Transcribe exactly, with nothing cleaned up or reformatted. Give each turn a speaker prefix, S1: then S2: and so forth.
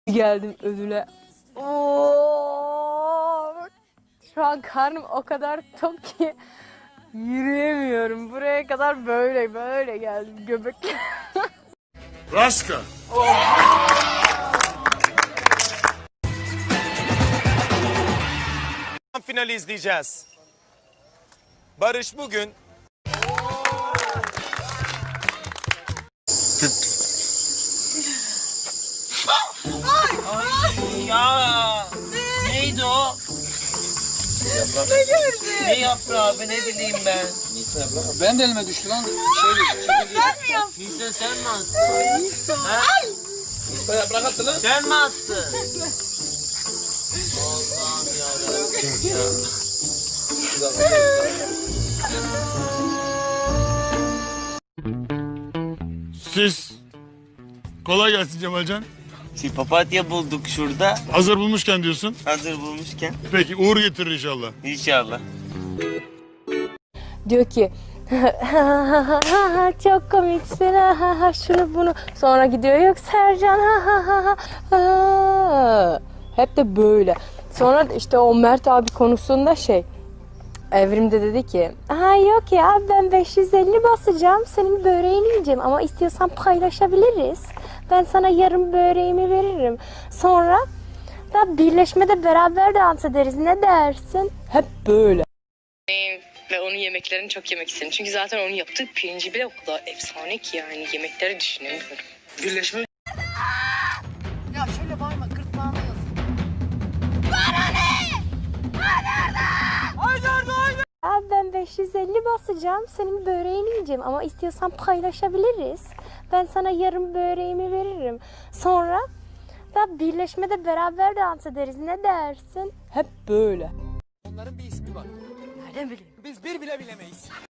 S1: Geldim ödüle. Oo! Şu an karnım o kadar tok ki yürüyemiyorum. Buraya kadar böyle böyle geldim göbek.
S2: Raska.
S3: Finali izleyeceğiz. Barış bugün
S4: Ya neydi o? Ne gördün? Ne yaprağı be, ne bileyim ben.
S5: Ben de elime düştü lan. Şöyle
S4: Sen mi yaptın? Nisa sen mi attın? Nisa. Ha?
S5: yaprak attı lan.
S4: Sen mi attın? Allah'ım yarabbim ya.
S2: Siz kolay gelsin Cemalcan.
S6: Şimdi papatya bulduk şurada.
S2: Hazır bulmuşken diyorsun.
S6: Hazır bulmuşken.
S2: Peki uğur getirir inşallah.
S6: İnşallah.
S1: Diyor ki çok komiksin şunu bunu. Sonra gidiyor yok Sercan hep de böyle. Sonra işte o Mert abi konusunda şey Evrim'de dedi ki ha yok ya ben beş yüz elli basacağım senin böreğini yiyeceğim ama istiyorsan paylaşabiliriz. Ben sana yarım böreğimi veririm. Sonra da birleşmede beraber dans ederiz ne dersin? Hep böyle.
S7: Ve onun yemeklerini çok yemek istedim. Çünkü zaten onun yaptığı pirinci bile o kadar efsane ki yani yemekleri düşünemiyorum.
S5: Birleşme.
S8: Ya şöyle bağırma gırtlağına yazık.
S1: Ya ben beş yüz elli basacağım senin böreğini yiyeceğim ama istiyorsan paylaşabiliriz. Ben sana yarım böreğimi veririm. Sonra da birleşmede beraber dans ederiz ne dersin? Hep böyle.
S5: Onların bir ismi var.
S8: Nereden bileyim?
S5: Biz bir bile bilemeyiz.